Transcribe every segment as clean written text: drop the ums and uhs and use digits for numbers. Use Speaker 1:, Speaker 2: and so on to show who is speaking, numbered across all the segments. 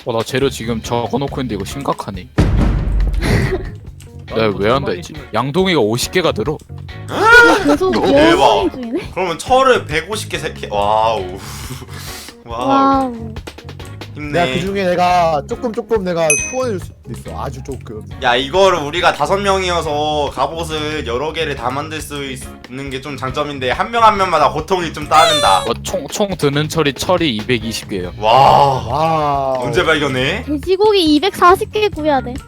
Speaker 1: 나 재료 지금 적어놓고 있는데 이거 심각하네. 내가 왜 한다 했지? 양동이가 50개가 들어.
Speaker 2: 계속
Speaker 3: 대박.
Speaker 2: 열심히 중이네.
Speaker 3: 그러면 철을 150개 세 와우. 와우.
Speaker 2: 와우.
Speaker 4: 내가
Speaker 3: 힘내.
Speaker 4: 그 중에 내가 조금 내가 후원해줄 수도 있어. 아주 조금.
Speaker 3: 야 이거를 우리가 5명이어서 갑옷을 여러 개를 다 만들 수 있는 게 좀 장점인데 한 명 한 명마다 고통이 좀 따른다.
Speaker 1: 총 드는 철이 220개예요.
Speaker 3: 와.
Speaker 4: 와.
Speaker 3: 언제 발견해?
Speaker 2: 돼지고기 240개 구해야 돼.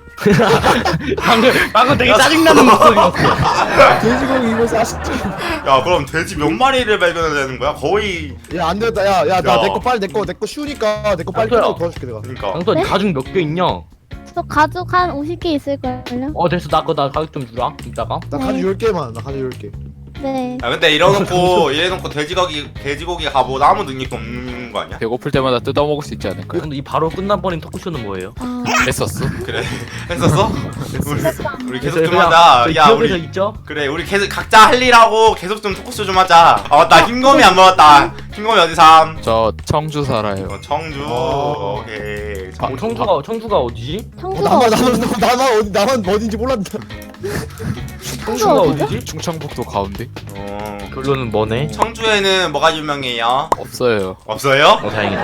Speaker 5: 방금 되게 짜증나는 목소리였어.
Speaker 4: 돼지고기 이거 40개.
Speaker 3: 야 그럼 돼지 몇 마리를 발견해야 되는 거야? 거의.
Speaker 4: 야안 되겠다. 야나
Speaker 3: 야.
Speaker 4: 내 거 빨리 내 거 쉬우니까 내 거 빨리
Speaker 5: 아,
Speaker 4: 도와줄게 내가.
Speaker 3: 그러니까.
Speaker 5: 방금
Speaker 2: 네?
Speaker 5: 가죽 몇 개 있냐?
Speaker 2: 저 가죽 한 50개 있을걸요?
Speaker 5: 됐어. 나 가죽 좀 주라. 이따가.
Speaker 4: 나 가죽 10개만. 나 가죽 10개.
Speaker 2: 네.
Speaker 3: 야 근데 이래놓고 돼지고기 갑옷 아무 능력도 없는 거 아니야?
Speaker 1: 배고플 때마다 뜯어먹을 수 있지 않을까?
Speaker 5: 근데 이 바로 끝나버린 토크쇼는 뭐예요?
Speaker 2: 아,
Speaker 1: 했었어?
Speaker 3: 그래. 했었어? 우리 계속 좀
Speaker 5: 그냥
Speaker 3: 하자.
Speaker 5: 저희
Speaker 3: 야
Speaker 5: 기억에서
Speaker 3: 우리
Speaker 5: 있죠?
Speaker 3: 그래 우리 계속 각자 할 일하고 계속 좀 토크쇼 좀 하자. 아 맞다 흰검이 안 먹었다. 흰검이 어디 삼?
Speaker 1: 저 청주 살아요.
Speaker 3: 청주. 오케이.
Speaker 5: 청주가 어디지?
Speaker 2: 청주가 어디?
Speaker 4: 나만 어딘지 몰랐다.
Speaker 5: 청주가
Speaker 2: 어디죠?
Speaker 5: 어디지?
Speaker 1: 충청북도 가운데?
Speaker 5: 결론은 뭐네?
Speaker 3: 청주에는 뭐가 유명해요?
Speaker 1: 없어요.
Speaker 3: 없어요?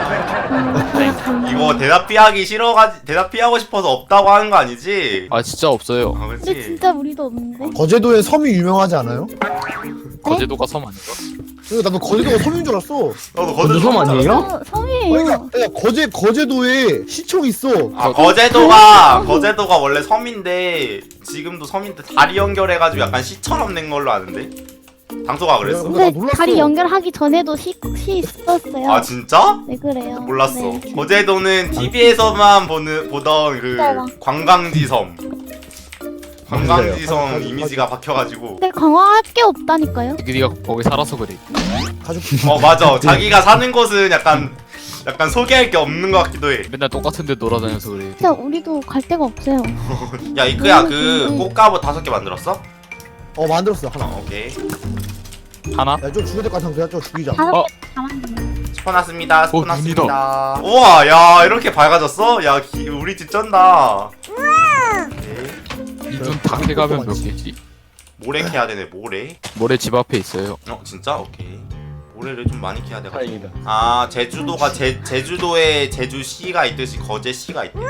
Speaker 5: 다행이다.
Speaker 3: 이거 대답 피하고 싶어서 없다고 하는 거 아니지?
Speaker 1: 아 진짜 없어요.
Speaker 3: 아
Speaker 2: 근데
Speaker 3: 그렇지.
Speaker 2: 진짜 우리도 없는데?
Speaker 4: 거제도에 섬이 유명하지 않아요?
Speaker 1: 거제도가 섬 아닌가?
Speaker 4: 그러니까 나도 거제도가 섬인 줄 알았어.
Speaker 3: 너도
Speaker 5: 거제도 아니에요?
Speaker 2: 섬이에요.
Speaker 4: 그러니까 거제도에 시청 있어.
Speaker 3: 아 거제도가 원래 섬인데 지금도 섬인데 다리 연결해가지고 약간 시처럼 된 걸로 아는데 당소가 그랬어?
Speaker 4: 나
Speaker 2: 근데
Speaker 4: 몰랐어.
Speaker 2: 다리 연결하기 전에도 시 있었어요.
Speaker 3: 아 진짜?
Speaker 2: 네 그래요.
Speaker 3: 몰랐어.
Speaker 2: 네.
Speaker 3: 거제도는 TV에서만 보던 그
Speaker 2: 진짜요?
Speaker 3: 관광지섬. 관광지섬
Speaker 4: 맞아요.
Speaker 3: 이미지가 박혀가지고.
Speaker 2: 근데 관광할 게 없다니까요.
Speaker 1: 네가 거기 살아서 그래.
Speaker 4: 가죽.
Speaker 3: 맞아. 자기가 사는 곳은 약간 소개할 게 없는 것 같기도 해.
Speaker 1: 맨날 똑같은 데 돌아다녀서 그래.
Speaker 2: 진짜 우리도 갈 데가 없어요.
Speaker 3: 야 이크야 그 꽃가루 5개 만들었어?
Speaker 4: 만들었어 하나.
Speaker 3: 오케이.
Speaker 1: 하나?
Speaker 4: 야좀 죽여야 될 것 같아. 그냥 좀 죽이자.
Speaker 2: 다섯
Speaker 1: 어.
Speaker 2: 개 남았네.
Speaker 3: 스포났습니다.
Speaker 1: 눈이다.
Speaker 3: 스포났습니다. 우와 야 이렇게 밝아졌어? 야 우리 집 쩐다. 오케이.
Speaker 1: 이 눈 다 캐가면 몇 개지?
Speaker 3: 모래 캐야 되네 모래.
Speaker 1: 모래 집 앞에 있어요.
Speaker 3: 진짜? 오케이. 모래를 좀 많이 캐야 돼가지고.
Speaker 5: 다행이다.
Speaker 3: 아 제주도가 제주도에 제주시가 있듯이 거제시가 있대.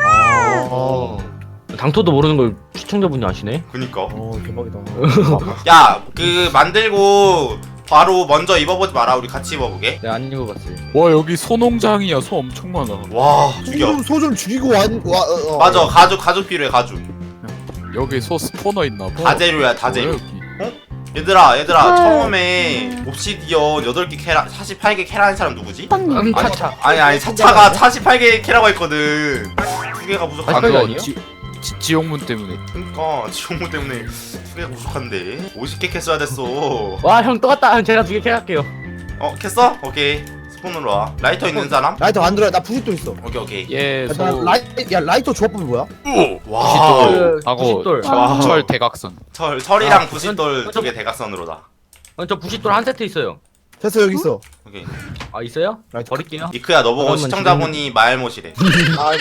Speaker 5: 당토도 모르는 걸 시청자분이 아시네?
Speaker 3: 그니까.
Speaker 4: 대박이다.
Speaker 3: 야 그 만들고 바로 먼저 입어보지 마라. 우리 같이 입어보게.
Speaker 5: 내가 안 읽어봤어요.
Speaker 1: 와 여기 소농장이야. 소 엄청 많아.
Speaker 3: 와 죽여.
Speaker 4: 소 좀 죽이고
Speaker 3: 맞아 가죽 필요해 가죽.
Speaker 1: 여기 소 스포너 있나 봐.
Speaker 3: 다재료야 다재료.
Speaker 1: 뭐야, 여기?
Speaker 3: 얘들아
Speaker 2: 아,
Speaker 3: 처음에 옵시디언 8개 캐라 48개 캐라는 사람 누구지?
Speaker 2: 빵님.
Speaker 5: 차차.
Speaker 3: 아니 차차가 48개 캐라고 했거든. 2개가 부족한데.
Speaker 5: 그거
Speaker 1: 그거
Speaker 5: 아니에요?
Speaker 1: 지옥문 때문에.
Speaker 3: 그니까 지옥문 때문에 2개가 부족한데 50개 캤어야 됐어.
Speaker 5: 와, 형 또 왔다. 제가 2개 캐갈게요.
Speaker 3: 캤어? 오케이 스폰으로 와. 라이터 있는 사람?
Speaker 4: 라이터 만들어. 나 부싯돌 있어.
Speaker 3: 오케이
Speaker 1: 예,
Speaker 4: 야,
Speaker 1: 소
Speaker 4: 라이터 조합법이 뭐야?
Speaker 3: 와
Speaker 1: 하고
Speaker 5: 부싯돌.
Speaker 3: 와.
Speaker 1: 철 대각선.
Speaker 3: 철이랑
Speaker 5: 아,
Speaker 3: 부싯돌
Speaker 5: 저-
Speaker 3: 2개 대각선으로다.
Speaker 5: 저 부싯돌 한 세트 있어요.
Speaker 4: 됐어 여기 있어.
Speaker 3: 오케이
Speaker 5: 아, 있어요?
Speaker 4: 라이터.
Speaker 5: 버릴게요.
Speaker 3: 이크야 너 보고
Speaker 5: 그러면
Speaker 3: 시청자분이 말못이래.
Speaker 4: 아이고.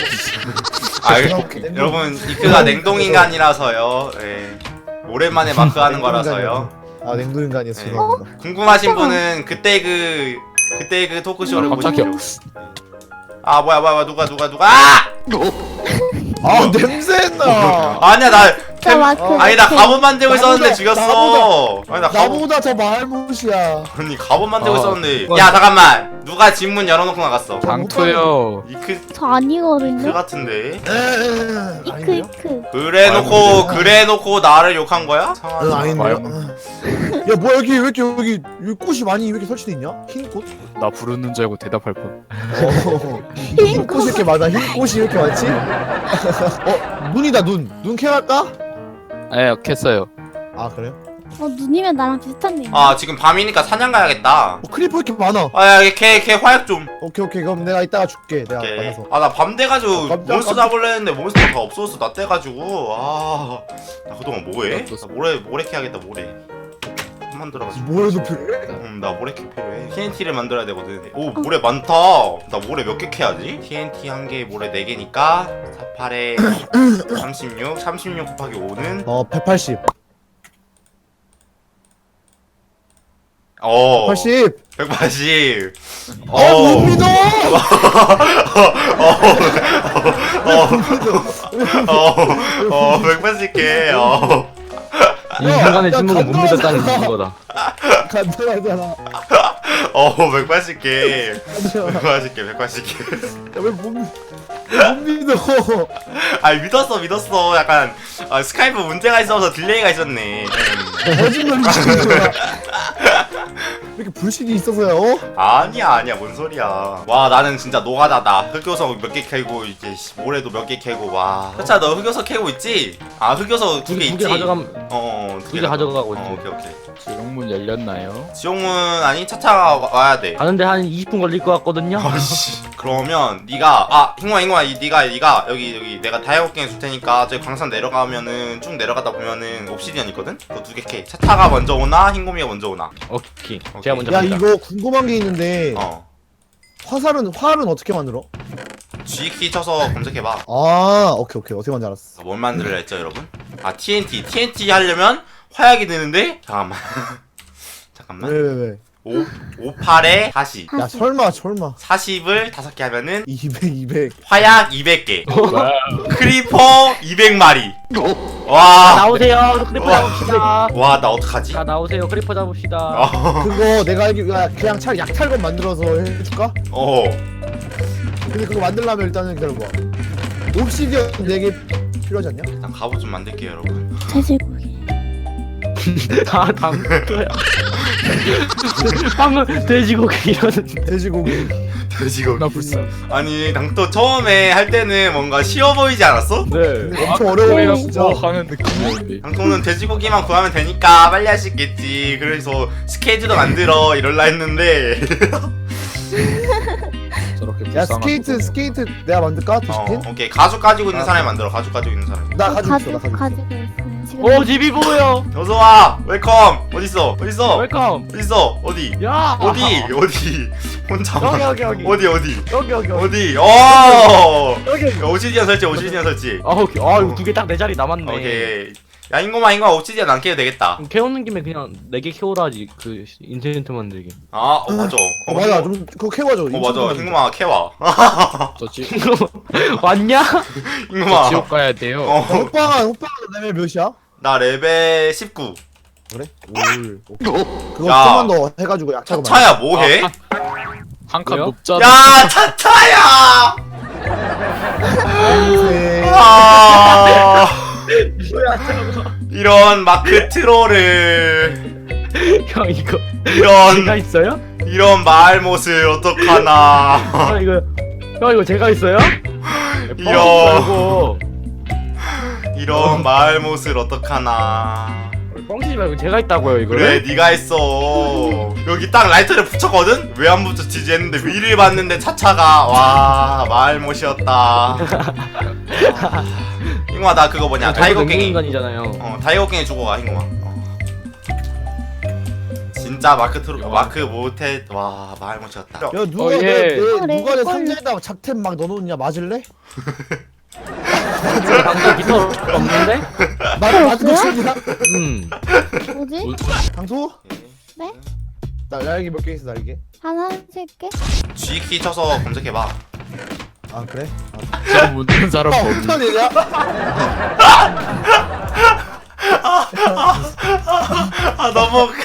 Speaker 3: 여러분 이크가 냉동인간이라서요. 예. 오랜만에 마크하는 거라서요.
Speaker 4: 냉동 인간이었어.
Speaker 3: 네.
Speaker 4: 죄송합니다.
Speaker 3: 궁금하신 분은 그때 그 토크쇼를
Speaker 1: 깜짝이야.
Speaker 3: 보시죠. 아 뭐야 누가 아!
Speaker 4: 냄새나.
Speaker 3: 아니야 나
Speaker 2: 진짜 마크.
Speaker 3: 아니 나 갑옷 만들고 있었는데
Speaker 4: 나보다-
Speaker 3: 죽였어. 아니 나 갑옷
Speaker 4: 나보다 더 말못이야.
Speaker 3: 아니 갑옷 만들고
Speaker 1: 아,
Speaker 3: 있었는데.
Speaker 5: 뭐야.
Speaker 3: 야 잠깐만 누가 집문 열어놓고 나갔어.
Speaker 1: 장투요.
Speaker 3: 이크
Speaker 2: 저 아니거든요.
Speaker 3: 같은데.
Speaker 2: 이크.
Speaker 3: 그래놓고 나를 욕한 거야?
Speaker 4: 아닌데. 야 뭐야 여기 꽃이 많이 왜 이렇게 설치돼 있냐? 흰 꽃?
Speaker 1: 나 부르는 줄 알고 대답할 뻔.
Speaker 4: 흰 꽃이 이렇게 많아. 흰 꽃이 이렇게 많지? 눈이다 눈. 눈 캐갈까?
Speaker 1: 예, 캤어요.
Speaker 4: 아 그래요?
Speaker 2: 눈이면 나랑 비슷한데.
Speaker 3: 아 지금 밤이니까 사냥 가야겠다.
Speaker 4: 크리퍼 이렇게 많아.
Speaker 3: 아야 걔 화약 좀.
Speaker 4: 오케이 그럼 내가 이따가 줄게. 내가
Speaker 3: 오케이.
Speaker 4: 받아서.
Speaker 3: 아 나 밤 돼가지고
Speaker 4: 깜짝-
Speaker 3: 몬스터 잡으려 했는데 몬스터가 다 없어졌어. 나 떼가지고 나 그동안 뭐해?
Speaker 1: 어떻소?
Speaker 3: 나 모래 캐야겠다 모래. 한만 들어가지고.
Speaker 4: 뭐해도 필요해?
Speaker 3: 나 모래 캐 필요해. TNT를 만들어야 되거든. 오 모래 많다. 나 모래 몇 개 캐야지? TNT 한 개에 모래 4개니까 48에 36 곱하기 5는
Speaker 4: 180
Speaker 3: 어
Speaker 4: 80
Speaker 3: 180.
Speaker 4: 못 믿어!
Speaker 3: 어 180개.
Speaker 5: 이 순간의
Speaker 4: 야,
Speaker 5: 침묵을 못
Speaker 4: 간단하잖아.
Speaker 5: 믿었다는 거다.
Speaker 4: 간단하잖아
Speaker 3: 180개. 180개.
Speaker 4: 못 믿어
Speaker 3: 아니 믿었어. 약간 스카이프 문제가 있어서 딜레이가 있었네.
Speaker 4: 거짓말이지 이렇게 불신이 있어서요?
Speaker 3: 아니야 뭔 소리야. 와 나는 진짜 노가다다. 흑요소 몇 개 캐고 이제 모래도 몇 개 캐고. 와 차차 너 흑요소 캐고 있지? 아 흑요소 2개 있지?
Speaker 5: 2개 가져가면
Speaker 3: 두
Speaker 5: 2개 가져가고 있지.
Speaker 3: 오케이.
Speaker 1: 지옥문 열렸나요?
Speaker 3: 지옥문 아니 차차가 와야 돼.
Speaker 5: 가는데 한 20분 걸릴 것 같거든요.
Speaker 3: 아이씨. 그러면 네가 흰공아 네가 여기 내가 다이아고갱 줄 테니까 저기 광산 내려가면은 쭉 내려가다 보면은 옵시디언 있거든? 그거 2개 캐. 차차가 먼저 오나 흰곰이가 먼저 오나?
Speaker 5: 오케이. 제가 먼저
Speaker 4: 야
Speaker 5: 갑니다.
Speaker 4: 이거 궁금한 게 있는데 활은 어떻게 만들어?
Speaker 3: G키 쳐서 검색해봐.
Speaker 4: 아 오케이 어떻게 만지 알았어
Speaker 3: 뭘 만들어야 했죠 여러분? TNT 하려면 화약이 드는데 잠깐만
Speaker 4: 왜?
Speaker 3: 58에 40
Speaker 4: 야 설마
Speaker 3: 40을 5개 하면은
Speaker 4: 200
Speaker 3: 화약 200개
Speaker 1: 와,
Speaker 3: 크리퍼 200마리 와
Speaker 5: 나오세요. 크리퍼 잡읍시다.
Speaker 3: 와 나 어떡하지?
Speaker 5: 자 나오세요. 크리퍼 잡읍시다.
Speaker 4: 그거 내가 알기 그냥 차라리 약탈건 만들어서 해줄까? 근데 그거 만들려면 일단은 기다려봐 옵시디언 4개 필요하지 않냐?
Speaker 3: 일단 갑옷 좀 만들게요 여러분.
Speaker 2: 돼지고기.
Speaker 5: 당토야. 방금 돼지고기 이러는.
Speaker 4: 돼지고기
Speaker 3: 돼지고기.
Speaker 1: 나 불쌍.
Speaker 3: 아니 당또 처음에 할 때는 뭔가 쉬워 보이지 않았어?
Speaker 5: 네.
Speaker 4: 근데 엄청 어려워 진짜
Speaker 1: 하는 느낌이었는데.
Speaker 3: 당토는 돼지고기만 구하면 되니까 빨리 할 수 있겠지. 그래서 스케이트도 만들어 이럴라 했는데
Speaker 1: 저렇게
Speaker 4: 야
Speaker 1: 불쌍한
Speaker 4: 스케이트 내가 만들까? 도시킨?
Speaker 3: 오케이 가죽 가지고 있는 사람이 만들어. 가죽 가지고 있는 사람.
Speaker 4: 나 가지고 있어 나 가지고 있어
Speaker 2: 가지고 있어요. 지금
Speaker 5: 오 집이 보여.
Speaker 3: 어서 와. 웰컴. 어딨어?
Speaker 5: 웰컴.
Speaker 3: 어딨어? 어디?
Speaker 5: 야.
Speaker 3: 어디? 혼자.
Speaker 5: 여기.
Speaker 3: 어디?
Speaker 5: 여기.
Speaker 3: 오시디언 설치.
Speaker 5: 아 오케이. 아 이거 2개 딱 내 자리 남았네.
Speaker 3: 오케이. 야 인고마 오시디언 안 캐도 되겠다.
Speaker 5: 캐오는 김에 그냥 4개 캐오라지 그 인센트 만들기.
Speaker 3: 맞아.
Speaker 4: 맞아 좀 그거 캐와줘
Speaker 3: 맞아. 인고마 캐와.
Speaker 1: 저
Speaker 5: 왔냐?
Speaker 3: 인고마.
Speaker 1: 지옥 가야 돼요.
Speaker 4: 호빵아 레벨 몇이야?
Speaker 3: 나 레벨 19.
Speaker 4: 그래? 올 그거
Speaker 3: 야.
Speaker 4: 좀만 더 해가지고 약차고
Speaker 3: 차차야 뭐해?
Speaker 1: 한 칸
Speaker 5: 왜요?
Speaker 1: 높잖아.
Speaker 3: 야 차차야. 이런 마크 트롤을
Speaker 5: 형 이거
Speaker 3: 이런
Speaker 5: 제가 있어요?
Speaker 3: 이런 말못을 어떡하나.
Speaker 5: 형 이거 제가 있어요?
Speaker 3: 이런 이런 말못을 어떡하나.
Speaker 5: 뻥치지 말고 제가 있다고요 이거.
Speaker 3: 그래 네가 했어. 여기 딱 라이터를 붙였거든? 왜 안 붙였지 했는데 위를 봤는데 차차가 와 말못이었다. 잉마 나 그거 뭐냐 다이거갱이
Speaker 5: 인간이잖아요.
Speaker 3: 다이거갱이 주고 가 잉마. 진짜 마크 못해. 와 말못이었다.
Speaker 4: 야 누가
Speaker 1: 어, 예.
Speaker 4: 누가 내
Speaker 2: 헷갈려.
Speaker 4: 상자에다가 작템 막 넣어놓냐 맞을래?
Speaker 5: 제가 방금 기타 없는데?
Speaker 4: 맞은 거 치냐?
Speaker 2: 뭐지?
Speaker 4: 강소?
Speaker 2: 네?
Speaker 4: 날개 몇 개 있어 날개?
Speaker 2: 하나 셀게.
Speaker 3: G키 쳐서 검색해봐.
Speaker 4: 아 그래?
Speaker 1: 저 묻는 사람 범위.
Speaker 4: 어떤 애냐?
Speaker 3: 너무 웃겨.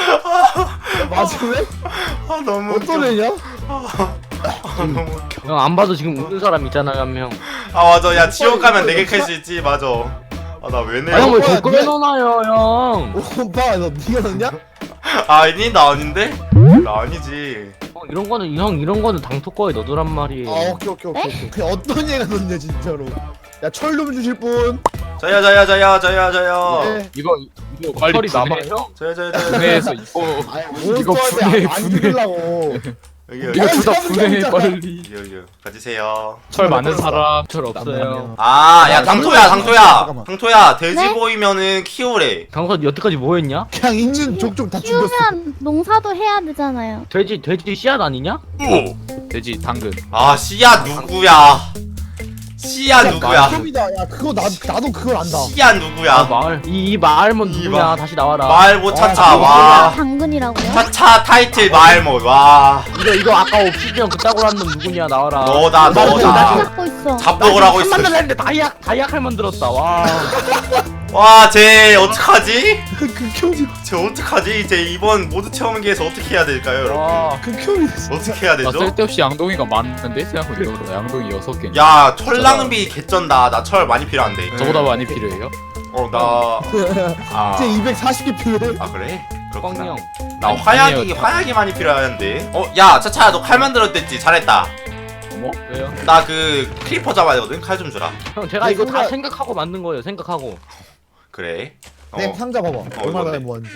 Speaker 4: 맞을래?
Speaker 3: 너무
Speaker 4: 어떤 애냐?
Speaker 3: 너무 웃겨.
Speaker 5: 형 안 봐도 지금 웃는 사람 있잖아요 한 명.
Speaker 3: 맞아. 야 지옥 가면 4개 캘 수 있지. 맞아. 나 왜 내?
Speaker 5: 형왜
Speaker 4: 뭐야,
Speaker 5: 댓글에
Speaker 4: 네.
Speaker 5: 넣어놔요 형?
Speaker 4: 오빠 너 니가 넣냐?
Speaker 3: 아니 나 아닌데? 나 아니지.
Speaker 5: 이런 거는 당토 거에 넣어두란 말이에요.
Speaker 4: 아 오케이 그냥 어떤 애가 넣냐 진짜로 야 철 좀 주실 분?
Speaker 3: 저요.
Speaker 4: 네.
Speaker 1: 이거 빨리
Speaker 5: 털이
Speaker 1: 분해.
Speaker 5: 남아요?
Speaker 3: 저요.
Speaker 1: 분해해서 이거
Speaker 4: 아니
Speaker 1: 이거
Speaker 4: 몬스터한테 안
Speaker 1: 분해.
Speaker 4: 죽이려고
Speaker 1: 이거 둘다 분해 빨리.
Speaker 3: 여기 가지세요.
Speaker 1: 철 많은 사람 철
Speaker 5: 없어요.
Speaker 3: 야 당토야
Speaker 4: 잠깐만.
Speaker 3: 당토야 돼지
Speaker 2: 네?
Speaker 3: 보이면은 키우래.
Speaker 5: 강사 여태까지 뭐 했냐?
Speaker 4: 그냥 있는 족족 다 죽였어.
Speaker 2: 키우면 농사도 해야 되잖아요.
Speaker 5: 돼지 씨앗 아니냐?
Speaker 1: 돼지 당근.
Speaker 3: 씨앗 누구야? 씨앗 누구야?
Speaker 4: 야 그거 나도 그걸 안다.
Speaker 3: 씨앗 누구야?
Speaker 5: 마을 이 마을몬
Speaker 3: 이
Speaker 5: 누구냐?
Speaker 3: 마-
Speaker 5: 다시 나와라.
Speaker 3: 마을못 차차
Speaker 4: 아,
Speaker 3: 와.
Speaker 2: 당근이라고요?
Speaker 3: 차차 타이틀 마을못 와.
Speaker 5: 이거 아까 옵시디언 그따구로 한 놈 누구냐? 나와라.
Speaker 3: 너다 너다.
Speaker 2: 잡고 있어.
Speaker 3: 잡독을 하고 있어.
Speaker 5: 만들었는데 다이약할 만들었다. 와.
Speaker 3: 와쟤 어떡하지?
Speaker 4: 극혐이
Speaker 3: 쟤 어떡하지? 쟤 이번 모드 체험기에서 어떻게 해야 될까요 여러분?
Speaker 5: 와.
Speaker 4: 극혐이.
Speaker 3: 어떻게 해야
Speaker 1: 나
Speaker 3: 되죠?
Speaker 1: 쓸데없이 양동이가 많은데 생각해보니까 양동이 6개.
Speaker 3: 야 철낭비 개쩐다. 나 철 많이 필요한데.
Speaker 1: 저보다 많이 필요해요?
Speaker 3: 나
Speaker 4: 이제 240개 필요해.
Speaker 3: 그래? 그렇구나.
Speaker 5: 뻥형.
Speaker 3: 나
Speaker 1: 아니에요.
Speaker 3: 화약이 많이 필요한데. 야 차차야 너 칼 만들었댔지. 잘했다.
Speaker 1: 어머?
Speaker 5: 왜요?
Speaker 3: 나 그 크리퍼 잡아야 되거든. 칼 좀 주라.
Speaker 5: 형 제가 이거 다
Speaker 4: 순간-
Speaker 5: 생각하고 만든 거예요. 생각하고.
Speaker 3: 그래.
Speaker 4: 내 상자 봐봐. 얼마나
Speaker 3: 이건데.
Speaker 4: 뭐한지.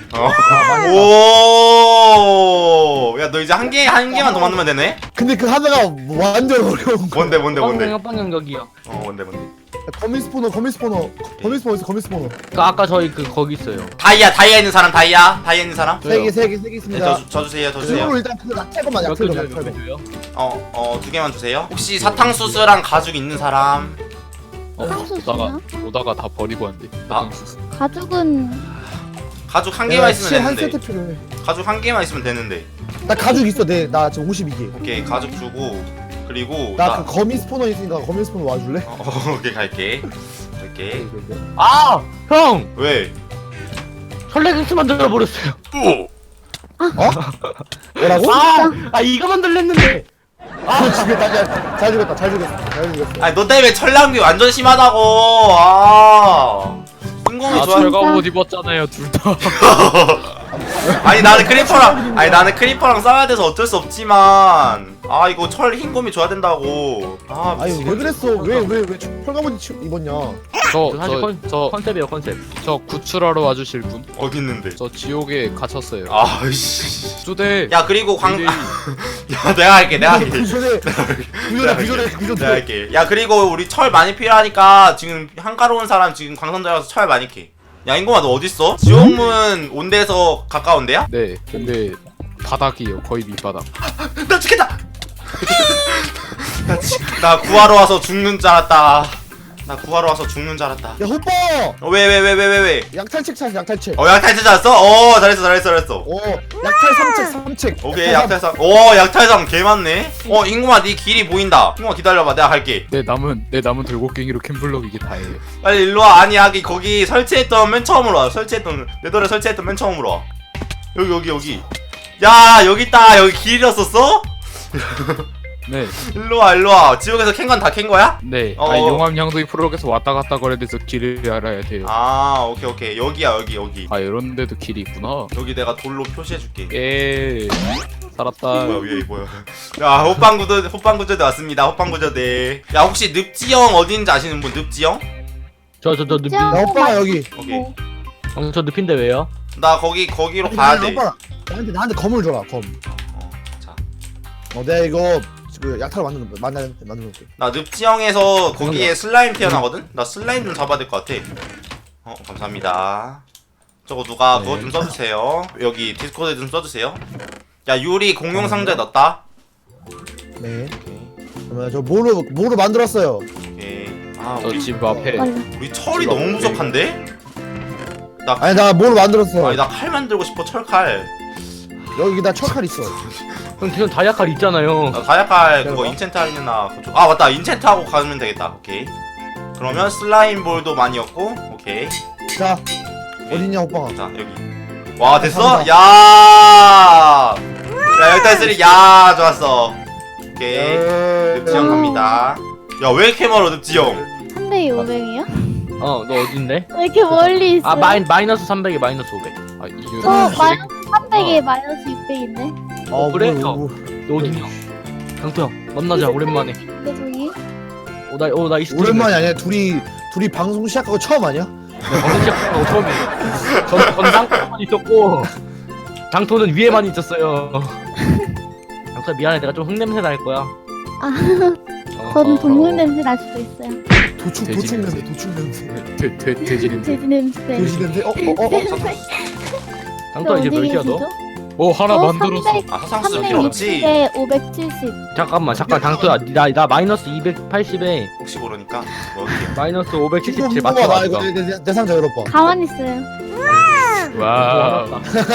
Speaker 3: 오. 야 너 이제 한 개만 더 만들면 되네.
Speaker 4: 근데 그 하나가 완전 어려운 거.
Speaker 3: 뭔데?
Speaker 5: 빵형 여기요.
Speaker 3: 뭔데?
Speaker 4: 거미 스포너 있어.
Speaker 5: 아까 저희 거기 있어요.
Speaker 3: 다이아 있는 사람 다이아 있는 사람?
Speaker 4: 세 개
Speaker 3: 네,
Speaker 4: 있습니다.
Speaker 3: 저 주세요.
Speaker 4: 그리고 일단 그 약탈것만
Speaker 5: 몇 개 줘요?
Speaker 4: 약탈것.
Speaker 5: 몇 개 줘요?
Speaker 3: 2개만 주세요. 혹시 사탕수수랑 가죽 있는 사람?
Speaker 1: 오다가 다 버리고 왔는데.
Speaker 3: 아.
Speaker 2: 가죽은
Speaker 3: 가죽 한 개만 있으면
Speaker 4: 한
Speaker 3: 되는데.
Speaker 4: 세트 필요해.
Speaker 3: 가죽 한 개만 있으면 되는데.
Speaker 4: 나 가죽 있어. 나 지금 52개.
Speaker 3: 오케이 가죽 주고 그리고
Speaker 4: 나 그 거미 스포너 있으니까 거미 스포너 와줄래?
Speaker 3: 오케이 갈게.
Speaker 5: 아! 형!
Speaker 3: 왜?
Speaker 5: 철레깅스 만들어 버렸어요.
Speaker 4: 뭐라고?
Speaker 5: 이거 만들랬는데.
Speaker 4: 잘 죽였다.
Speaker 3: 아니 너 때문에 철낭비 완전 심하다고. 인공이
Speaker 1: 아
Speaker 3: 좋아.
Speaker 1: 철갑옷 입었잖아요 둘 다.
Speaker 3: 아니 나는 크리퍼랑 싸워야 돼서 어쩔 수 없지만 이거 철 흰곰이 줘야 된다고.
Speaker 4: 아니 왜 그랬어? 왜 철가보니 입었냐?
Speaker 5: 사실 컨셉이에요, 컨셉.
Speaker 1: 저 구출하러 와주실 분?
Speaker 3: 어디 있는데?
Speaker 1: 저 지옥에 갇혔어요.
Speaker 3: 아이씨.
Speaker 1: 주대.
Speaker 3: 야 그리고
Speaker 1: DJ.
Speaker 3: 야 내가 할게.
Speaker 4: 구조대.
Speaker 3: 내가 할게. 야 그리고 우리 철 많이 필요하니까 지금 한가로운 사람 지금 광산도에 가서 철 많이 캐. 야 인공아 너 어딨어? 지옥문 온 데서 가까운데야?
Speaker 1: 네. 근데 바닥이에요. 거의 밑바닥.
Speaker 3: 나 죽겠다. 나 구하러 와서 죽는 줄 알았다.
Speaker 4: 야 호빠!
Speaker 3: 왜?
Speaker 4: 약탈책 찾아 약탈책.
Speaker 3: 약탈 찾았어? 잘했어.
Speaker 4: 약탈 삼책.
Speaker 3: 오케이 약탈상. 약탈상 개 많네. 인공아 네 길이 보인다. 인공아 기다려봐 내가 갈게.
Speaker 1: 내 남은 들고깽이로 캠블럭 이게 다예요.
Speaker 3: 빨리 일로와. 아니 거기 설치했던 맨 처음으로 와. 내더래 설치했던 맨 처음으로 와. 여기. 야 여기 있다. 여기 길 잃었었어?
Speaker 1: 네.
Speaker 3: 일로와. 지옥에서 캔 건 다 캔 거야?
Speaker 1: 네.
Speaker 3: 어.
Speaker 1: 용암 양동이 프로그램에서 왔다 갔다 거려야 돼서 길을 알아야 돼요.
Speaker 3: 오케이. 여기야 여기.
Speaker 1: 이런 데도 길이 있구나.
Speaker 3: 여기 내가 돌로 표시해줄게.
Speaker 1: 예. 살았다.
Speaker 3: 뭐야. 야 호빵구조대 왔습니다. 호빵구조대. 야 혹시 늪지형 어딘지 아시는 분? 늪지형?
Speaker 5: 저 늪이.
Speaker 4: 야 호빠가 여기.
Speaker 3: 오케이.
Speaker 5: 저 늪인데 왜요?
Speaker 3: 나 거기로 가야 돼.
Speaker 4: 호빠 나한테 검을 줘라 검.
Speaker 3: 자.
Speaker 4: 내가 이거 그 약탈 만들어 놓을게.
Speaker 3: 나 늪지형에서 거기에 슬라임 태어나거든? 나 슬라임 좀 잡아야 될 것 같아. 감사합니다. 저거 누가 그거 좀 써주세요. 여기 디스코드에 좀 써주세요. 야 유리 공용 상자에 넣었다.
Speaker 4: 네. 그러면 저 뭐로 만들었어요?
Speaker 3: 오케이.
Speaker 1: 저 집 앞에.
Speaker 3: 우리 철이 너무 부족한데?
Speaker 4: 아니 나 뭐로 만들었어?
Speaker 3: 나 칼 만들고 싶어. 철칼.
Speaker 4: 여기 나 철칼 있어.
Speaker 5: 형 지금 다이아칼 있잖아요.
Speaker 3: 나 다이아칼 그거
Speaker 4: 내가?
Speaker 3: 인챈트 하려나 맞다. 인챈트하고 가면 되겠다. 오케이. 그러면 슬라임 볼도 많이 얻고. 오케이.
Speaker 4: 자 어딨냐 호빠가?
Speaker 3: 자 여기. 와 됐어? 야 일단 쓰리. 야 좋았어. 오케이. 늪지형 갑니다. 야 왜 이렇게 멀어 늪지형?
Speaker 2: 300이 500이요?
Speaker 5: 너 어딘데?
Speaker 2: 왜 이렇게 멀리 있어?
Speaker 5: 마이너스 300에 마이너스 500.
Speaker 1: 이유.
Speaker 2: 마이너스 300에 마이너스 600인데?
Speaker 5: 그래?
Speaker 4: 뭐.
Speaker 5: 너 어디냐? 강토 형 만나자 오랜만에.
Speaker 2: 근데 저기?
Speaker 5: 나 이 스트리밍.
Speaker 4: 오랜만이 아니야. 둘이 방송 시작하고 처음 아니야?
Speaker 5: 방금 시작한 거 처음이에요. 전 당토만 있었고 장토는 위에만 있었어요. 장소야 미안해 내가 좀 흙냄새 날 거야.
Speaker 2: 저는 동물 냄새 날 수도 있어요.
Speaker 4: 도축
Speaker 1: 돼지
Speaker 4: 냄새 도축 냄새
Speaker 1: 돼지 냄새.
Speaker 2: 돼지 냄새.
Speaker 4: 돼지 냄새
Speaker 5: 장소야 이제 몇 시야 너?
Speaker 1: 하나 만들었어.
Speaker 3: 아 사상 쓸 필요 없지.
Speaker 2: 360에 570.
Speaker 5: 잠깐 장소야 나 마이너스 280에
Speaker 3: 혹시 모르니까 먹을게요.
Speaker 5: 마이너스
Speaker 4: 이거
Speaker 5: 577
Speaker 4: 나
Speaker 5: 맞춰.
Speaker 4: 이거 내 상자 열어봐.
Speaker 2: 가만히 있어요.
Speaker 1: 와.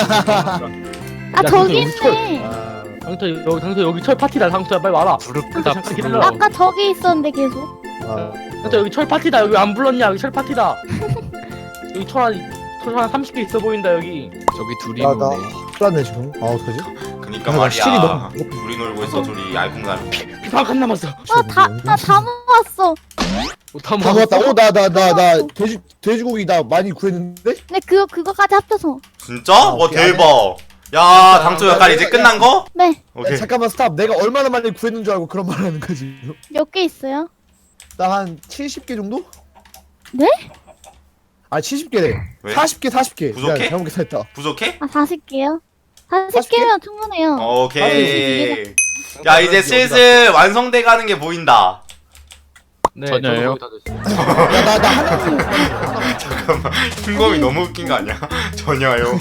Speaker 2: 아 저기 있네.
Speaker 5: 장소 여기 철 파티다. 장소야 빨리 와라.
Speaker 1: 부럽다.
Speaker 5: 잠깐 기다려.
Speaker 2: 아까 저기 있었는데 계속.
Speaker 5: 장소 여기 철 파티다. 여기 안 불렀냐? 여기 철 파티다. 여기 철 한 30개 있어 보인다 여기.
Speaker 1: 저기 둘이
Speaker 4: 나
Speaker 1: 노네.
Speaker 4: 풀었네 지금. 어떡하지?
Speaker 3: 그니까
Speaker 4: 아,
Speaker 3: 말이야.
Speaker 4: 실이 너무
Speaker 3: 둘이 놀고 있어 둘이 알콩달콩.
Speaker 5: 피방 한 남았어.
Speaker 2: 다 모았어.
Speaker 5: 다
Speaker 4: 다 모았다. 나 돼지고기 나 많이 구했는데?
Speaker 2: 네 그거까지 합쳐서.
Speaker 3: 진짜? 와
Speaker 4: 오케이,
Speaker 3: 대박. 야 당초 역할 이제 끝난 거?
Speaker 2: 네.
Speaker 3: 오케이.
Speaker 4: 잠깐만 스탑. 내가 얼마나 많이 구했는 줄 알고 그런 말 하는 거지.
Speaker 2: 몇 개 있어요?
Speaker 4: 나 한 70개 정도?
Speaker 2: 네?
Speaker 4: 아 70개래.
Speaker 3: 왜?
Speaker 4: 40개.
Speaker 3: 부족해?
Speaker 4: 야, 잘못 계산했다.
Speaker 3: 부족해?
Speaker 2: 아 40개요? 40개면 충분해요.
Speaker 3: 오케이. 야 이제 슬슬 완성돼 가는 게 보인다.
Speaker 5: 네,
Speaker 1: 전혀요?
Speaker 5: 저도 거의 다 됐어요.
Speaker 4: 나 하나도
Speaker 3: 잠깐만. 흰검이 너무 웃긴 거 아니야? 전혀요.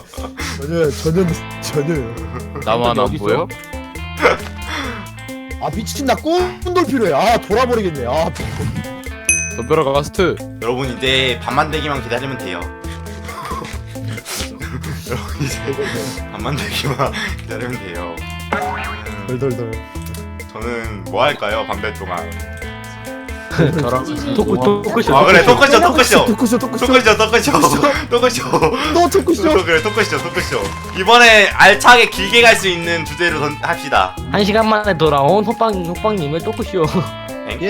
Speaker 4: 전혀.
Speaker 1: 나만 안 보여?
Speaker 4: 아 미친 나 꼰돌 필요해. 아 돌아버리겠네. 아
Speaker 1: 덤벼라 가스트.
Speaker 3: 여러분 이제 밤만 되기만 기다리면 돼요. 여러분 이제 밤만 되기만 기다리면 돼요.
Speaker 4: 덜덜덜.
Speaker 3: 저는 뭐 할까요? 밤될 동안.
Speaker 1: 저랑
Speaker 5: 토크쇼.
Speaker 3: 아 그래 토크쇼.
Speaker 4: 토크쇼. 너 토크쇼.
Speaker 3: 그래 토크쇼. 이번에 알차게 길게 갈 수 있는 주제로 합시다.
Speaker 5: 1시간 만에 돌아온 호빵님의 토크쇼.
Speaker 4: 예.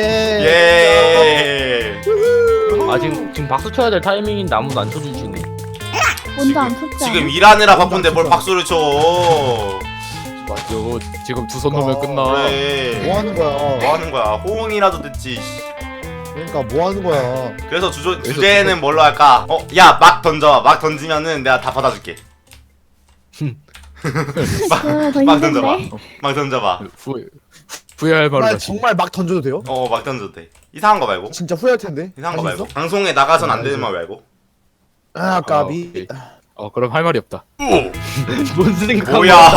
Speaker 3: 예.
Speaker 5: 아 지금 박수 쳐야 될 타이밍인데 아무도 안 쳐주시네.
Speaker 2: 먼저 안 쳤죠.
Speaker 3: 지금 일하느라 바쁜데 뭘 박수를 쳐.
Speaker 1: 이거 지금 두 손 놓으면 끝나.
Speaker 3: 그래.
Speaker 4: 뭐 하는 거야?
Speaker 3: 뭐 하는 거야? 호응이라도 듣지.
Speaker 4: 그러니까 뭐 하는 거야?
Speaker 3: 그래서 주제는 뭘로 할까? 야 막 던져. 막 던지면은 내가 다 받아줄게.
Speaker 2: 더
Speaker 3: 막 던져봐.
Speaker 2: 힘든데?
Speaker 3: 막 던져봐.
Speaker 1: 후회할 말을
Speaker 4: 나
Speaker 1: 하시.
Speaker 4: 정말 막 던져도 돼요?
Speaker 3: 막 던져도 돼. 이상한 거 말고.
Speaker 4: 진짜 후회할 텐데.
Speaker 3: 이상한 거
Speaker 4: 할수
Speaker 3: 말고.
Speaker 4: 있어?
Speaker 3: 방송에 나가선 안 되는 말 말고.
Speaker 4: 아 까비.
Speaker 1: 오케이. 그럼 할 말이 없다.
Speaker 5: 뭔 생각?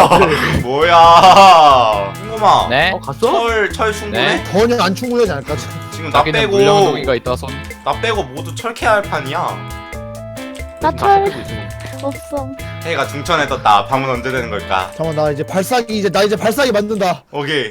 Speaker 3: 뭐야. 흰검아.
Speaker 1: 네?
Speaker 5: 갔어?
Speaker 3: 철 충분해?
Speaker 1: 네.
Speaker 4: 전혀 안 충분하지 않을까?
Speaker 3: 지금 나
Speaker 1: 자기는
Speaker 3: 빼고
Speaker 1: 물량동이가 있다 손.
Speaker 3: 나 빼고 모두 철캐 할 판이야.
Speaker 2: 나철 없어.
Speaker 3: 해가 중천에 떴다. 밤은 언제 되는 걸까?
Speaker 4: 잠깐만 나 이제 발사기 만든다.
Speaker 3: 오케이.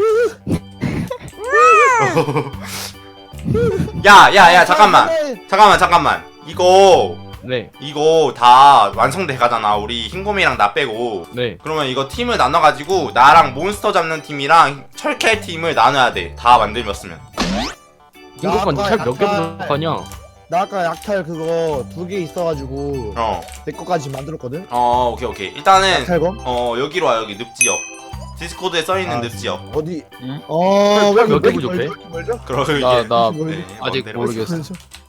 Speaker 3: 야 잠깐만.
Speaker 5: 네.
Speaker 3: 이거 다 완성돼 가잖아. 우리 흰곰이랑 나 빼고.
Speaker 5: 네.
Speaker 3: 그러면 이거 팀을 나눠가지고 나랑 몬스터 잡는 팀이랑 철캐 팀을 나눠야 돼. 다 만들었으면.
Speaker 5: 이것만
Speaker 4: 나
Speaker 5: 철몇 개
Speaker 4: 아까
Speaker 5: 부족하냐?
Speaker 4: 나 아까 약탈 그거 2개 있어가지고 내 거까지 만들었거든.
Speaker 3: 오케이. 일단은
Speaker 4: 약탈거?
Speaker 3: 여기로 와. 여기 늪지역. 디스코드에 써있는 늪지역.
Speaker 4: 어디?
Speaker 1: 응?
Speaker 4: 왜
Speaker 5: 몇개
Speaker 4: 이렇게
Speaker 5: 부족해?
Speaker 4: 멀죠?
Speaker 3: 그러고 이제
Speaker 1: 나
Speaker 3: 네,
Speaker 1: 아직
Speaker 3: 내려가 있어.
Speaker 1: 모르겠어.